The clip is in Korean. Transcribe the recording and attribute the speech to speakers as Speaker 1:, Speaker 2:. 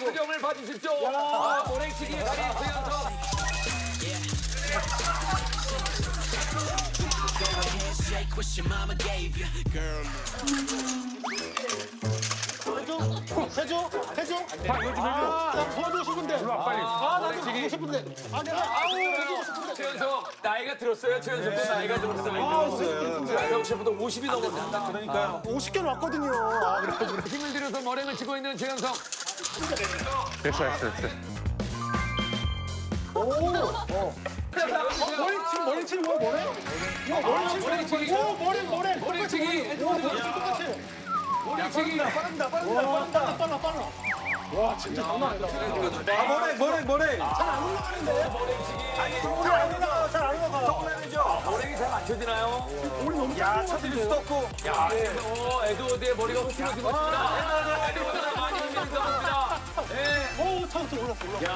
Speaker 1: 표정을 봐주십시오. 모래치기의 달인 최연석.
Speaker 2: Shake what your mama gave you, girl.
Speaker 3: 해줘? 나 도와주고 싶은데.
Speaker 1: 빨리.
Speaker 3: 나도
Speaker 1: 모래치기.
Speaker 3: 하고 싶은데. 내가 해주고 싶은데.
Speaker 1: 최연석 나이가 들었어요. 최연석도 나이가 들었어요. 최연석 셰프도 50이 넘었습니다.
Speaker 3: 그러니까요. 50개는 왔거든요. 그래.
Speaker 1: 힘을 들여서 머랭을 치고 있는 최연석.
Speaker 4: 됐어.
Speaker 3: 머리 치는 거야, 머리?
Speaker 1: 모래치기.
Speaker 3: 모래치기.
Speaker 1: 모래치기. 모래치기.
Speaker 3: 빨라. 와, 진짜 장난 아니다.
Speaker 4: 뭐래.
Speaker 3: 잘안 올라가.
Speaker 1: 모랭이 잘 맞춰지나요?
Speaker 3: 우리 너무
Speaker 4: 야, 쳐질 수도 없고.
Speaker 1: 야, 에드워드의 머리가 흐트러지고 있습니다. 에드워드가 많이 흔들리다 봅니다.
Speaker 3: 차부터 올랐어.